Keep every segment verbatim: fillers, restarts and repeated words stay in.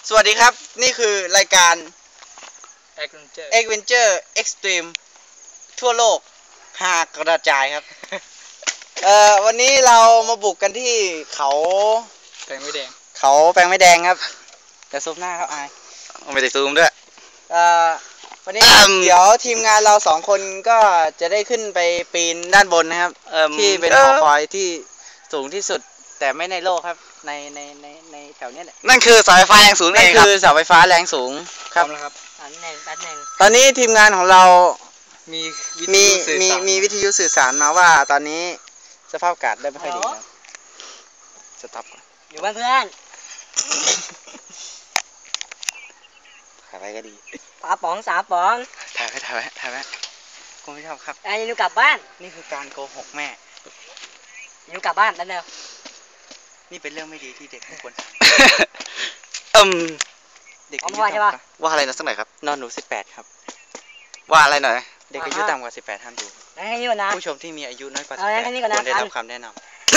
สวัสดีครับนี่คือรายการ Adventure Adventure Extreme ทั่วโลกหากกระจายครับ เอ่อวันนี้เรามาบุกกันที่เขาแปลงไม่แดงเขาแปลงไม่แดงครับแต่ซูมหน้าครับอายไม่ได้ซูมด้วยเอ่อวันนี้เดี๋ยวทีมงานเราสองคนก็จะได้ขึ้นไปปีนด้านบนนะครับที่เป็นหอคอยที่สูงที่สุดแต่ไม่ในโลกครับในในในในแถวนี้แหละนั่นคือเสาไฟฟ้าแรงสูงเองครับนั่นคือเสาไฟฟ้าแรงสูงครับครับอันหนึ่งอันหนึ่งตอนนี้ทีมงานของเรามีมีมีมีวิทยุสื่อสารมาว่าตอนนี้สภาพอากาศได้ไม่ค่อยดีครับสต็อปก่อนอยู่บ้านเพื่อนถ่ายไว้ก็ดีปลาป๋องสามป๋องถ่ายไว้ถ่ายไว้ถ่ายไว้กูไม่ชอบครับไอ้ยูกลับบ้านนี่คือการโกหกแม่ยูกลับบ้านแล้วเร็วนี่เป็นเรื่องไม่ดีที่เด็กทุกคนอืมเด็กอายุต่ำกว่าว่าอะไรนะสักหน่อยครับนอนหนูสิบแปดครับว่าอะไรหน่อยเด็กอายุต่ำกว่าสิบแปดห้ามดูผู้ชมที่มีอายุน้อยกว่าสิบแปดควรได้รับคำแนะนำ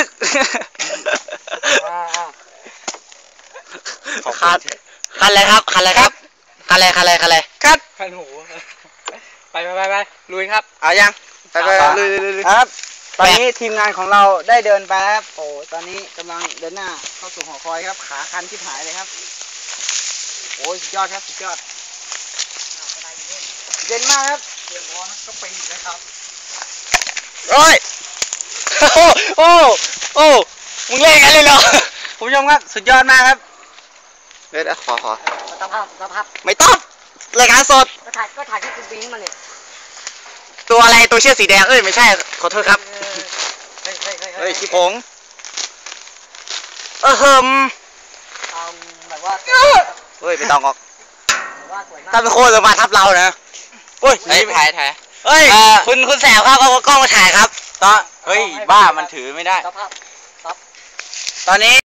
คัดคันอะไรครับคันอะไรครับคันอะไรคันอะไรคันอะไรคัดคันหูไปไปไปไปลุยครับเอายังไปไปลุยลุยครับตอนนี้ทีมงานของเราได้เดินไปครับโอ้ตอนนี้กำลังเดินหน้าเข้าสู่หอคอยครับขาคันที่หายเลยครับโอ้ยสุดยอดครับสุดยอดเย็นมากครับเตรียมพร้อมก็ไปนะครับโอ้ยโอ้โอ้โอ้มึงเล่นกันเลยเหรอคุณผู้ชมครับสุดยอดมากครับเดี๋ยวขอขอสภาพสภาพไม่ต้องรายการสดก็ถ่ายก็ถ่ายที่คุณบิงมาเนี่ยตัวอะไรตัวเชือกสีแดงเอ้ยไม่ใช่ขอโทษครับเฮ้ยขี้ผงเออเฮิมแบบว่าเฮ้ยไม่ต้องออกถ้าเป็นโคตรมาทับเรานะโอ้ยถ่ายถ่ายเฮ้ยคุณคุณแสบครับเอากล้องมาถ่ายครับตอนเฮ้ยบ้ามันถือไม่ได้ตอนนี้